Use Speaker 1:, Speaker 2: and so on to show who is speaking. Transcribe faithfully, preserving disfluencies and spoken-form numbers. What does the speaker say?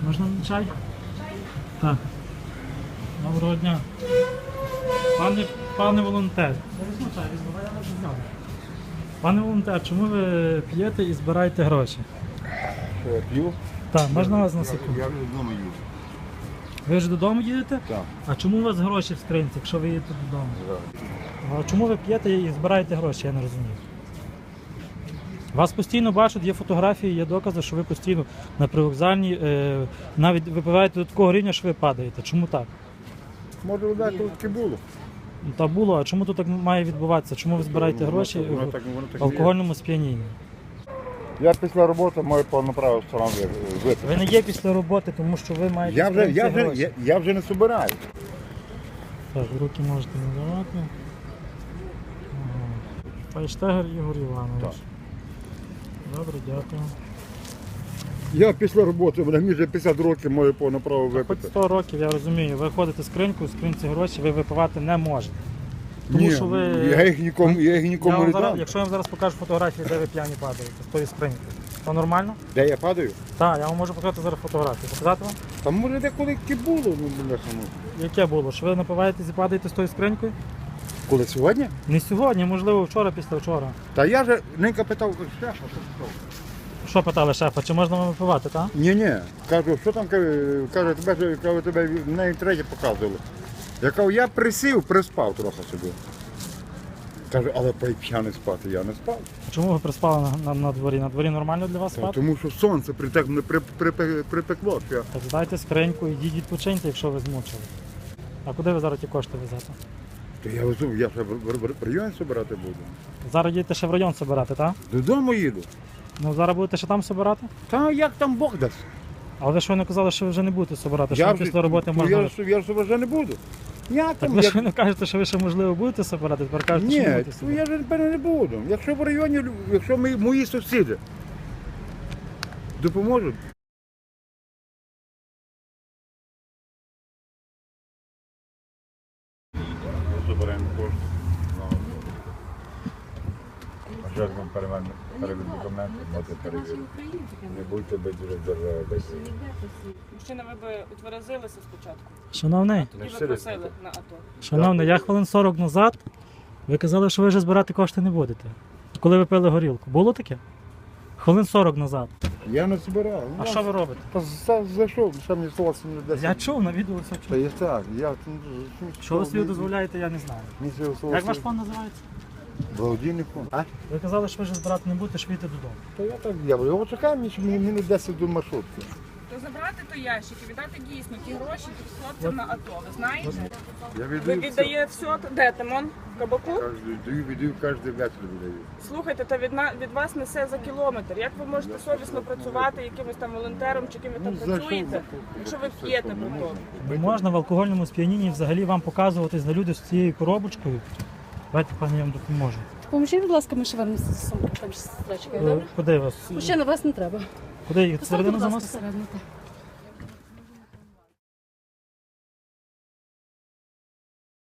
Speaker 1: Можна чай? Чай? Так. Доброго дня. Пане, пане волонтер. Візьму чай, візьму, я не знаю. Пане волонтер, чому ви п'єте і збираєте гроші?
Speaker 2: Що я п'ю?
Speaker 1: Так, можна вас на секунду?
Speaker 2: Я вже вдома їду.
Speaker 1: Ви вже додому їдете?
Speaker 2: Так.
Speaker 1: А чому у вас гроші в скринці, якщо ви їдете додому? А чому ви п'єте і збираєте гроші, я не розумію. Вас постійно бачать, є фотографії, є докази, що ви постійно на привокзальній, е, навіть випиваєте до такого рівня, що ви падаєте. Чому так?
Speaker 2: Може, вода таке було.
Speaker 1: Ну, та було, а чому тут так має відбуватися? Чому ви збираєте
Speaker 2: Воно
Speaker 1: гроші
Speaker 2: так- воно
Speaker 1: в
Speaker 2: так- воно так
Speaker 1: в алкогольному сп'янінні?
Speaker 2: Я після роботи маю повне право сам випити.
Speaker 1: Ви не є після роботи, тому що ви маєте
Speaker 2: Я вже,
Speaker 1: скринці
Speaker 2: я, вже,
Speaker 1: гроші.
Speaker 2: я, я вже не збираю.
Speaker 1: Так, руки можете не давати. Ага. Файштегер Ігор Іванович.
Speaker 2: Так.
Speaker 1: Добре, дякую.
Speaker 2: Я після роботи, мені вже п'ятдесят років маю повне право
Speaker 1: Хоч
Speaker 2: випити.
Speaker 1: сто років, я розумію, ви ходите в скриньку, в скринці гроші ви випивати не можете. Тому
Speaker 2: Ні,
Speaker 1: що ви...
Speaker 2: я їх нікому, я їх
Speaker 1: Я
Speaker 2: нікому
Speaker 1: вам
Speaker 2: не
Speaker 1: зараз,
Speaker 2: дам.
Speaker 1: якщо я вам зараз покажу фотографії, де ви п'яні падаєте, з тої скриньки, то нормально?
Speaker 2: Де я падаю?
Speaker 1: Так, я вам можу показати зараз фотографії. Показати вам?
Speaker 2: Там може деколи таке було, ну, бляха, ну.
Speaker 1: Яке було? Що ви напиваєтесь і падаєте з тою скринькою?
Speaker 2: Коли сьогодні?
Speaker 1: Не сьогодні, можливо, вчора, після вчора.
Speaker 2: Та я же ненька питав, шефа, що питав.
Speaker 1: Що питали шефа, чи можна вам випивати, так?
Speaker 2: Ні, ні. Кажу, що там каже, каже, тебе ж кажу, тебе навіть третє показували. Я кажу, я присів, приспав трохи собі. Каже, але п'яний спати я не спав.
Speaker 1: Чому ви приспали на, на, на дворі? На дворі нормально для вас
Speaker 2: Та,
Speaker 1: спати?
Speaker 2: тому що сонце притек, мене при, при, при, припекло. Що я...
Speaker 1: Так здайте скриньку, ідіть відпочиньте, якщо ви змучили. А куди ви зараз ті кошти везете?
Speaker 2: То я везу, я ще в, в, в, в районі збирати буду.
Speaker 1: Зараз їдете ще в район збирати, так?
Speaker 2: Додому їду.
Speaker 1: Ну зараз будете ще там збирати?
Speaker 2: Та як там Бог дасть?
Speaker 1: Але ви щойно казали, що ви вже не будете збирати, що
Speaker 2: Я
Speaker 1: ви
Speaker 2: вже-
Speaker 1: після роботи
Speaker 2: ну,
Speaker 1: можна...
Speaker 2: Я, ж- я ж вже не буду. Я
Speaker 1: Так
Speaker 2: там,
Speaker 1: ви
Speaker 2: я...
Speaker 1: щойно кажете, що ви ще можливо будете збирати, тепер кажете, що не
Speaker 2: Ні,
Speaker 1: будете
Speaker 2: то
Speaker 1: збирати.
Speaker 2: я ж напевно не буду. Якщо в районі, лю- якщо ми, мої сусіди допоможуть. Забираємо кошти. А зараз вам переведуть документи, можете перевірити. Не будьте без держави.
Speaker 3: Мужчина, ви б утверезилися спочатку,
Speaker 1: Шановний,
Speaker 3: а тоді ви просили на АТО.
Speaker 1: шановний, я хвилин сорок назад, ви казали, що ви вже збирати кошти не будете. Коли ви пили горілку. Було таке? Хвилин сорок назад.
Speaker 2: Я не збирав.
Speaker 1: А що ви робите?
Speaker 2: Та за- зайшов, що мені слово не десь.
Speaker 1: Я чув, на відео все
Speaker 2: Та
Speaker 1: чув.
Speaker 2: я так, я...
Speaker 1: Що ви собі дозволяєте, я не знаю. Як ваш фонд називається?
Speaker 2: Благодійний фонд. А?
Speaker 1: Ви казали, що ви вже збирати не будете, що ви йдете додому.
Speaker 2: То я так дякую. Його чекаю, мені, мені, мені десять до маршрутки.
Speaker 3: То забрати той ящик і віддати дійсно ті гроші хлопцям на АТО, ви знаєте?
Speaker 2: Я
Speaker 3: Ви
Speaker 2: віддаю все.
Speaker 3: віддає все, де Тимон? В кабаку?
Speaker 2: Кожен даю, віддаю, кожен вечір віддаю.
Speaker 3: Слухайте, та від, на- від вас несе за кілометр. Як ви можете совісно працювати якимось там волонтером чи ким ви там
Speaker 2: Ну, за
Speaker 3: працюєте,
Speaker 2: що?
Speaker 3: якщо ви п'єте
Speaker 2: Ну,
Speaker 3: потім?
Speaker 1: Не можна в алкогольному сп'янінні взагалі вам показуватись на люди з цією коробочкою. Давайте, пані, я вам допоможу.
Speaker 4: Поможіть, будь ласка, ми ще вам сумку там з строчкою,
Speaker 1: Е,
Speaker 4: добре?
Speaker 1: Куди вас?
Speaker 4: Мужчина, вас не треба.
Speaker 1: Куди їх?
Speaker 4: Поставте,
Speaker 1: Середину
Speaker 4: будь ласка,
Speaker 1: заносити?
Speaker 4: всередину. так.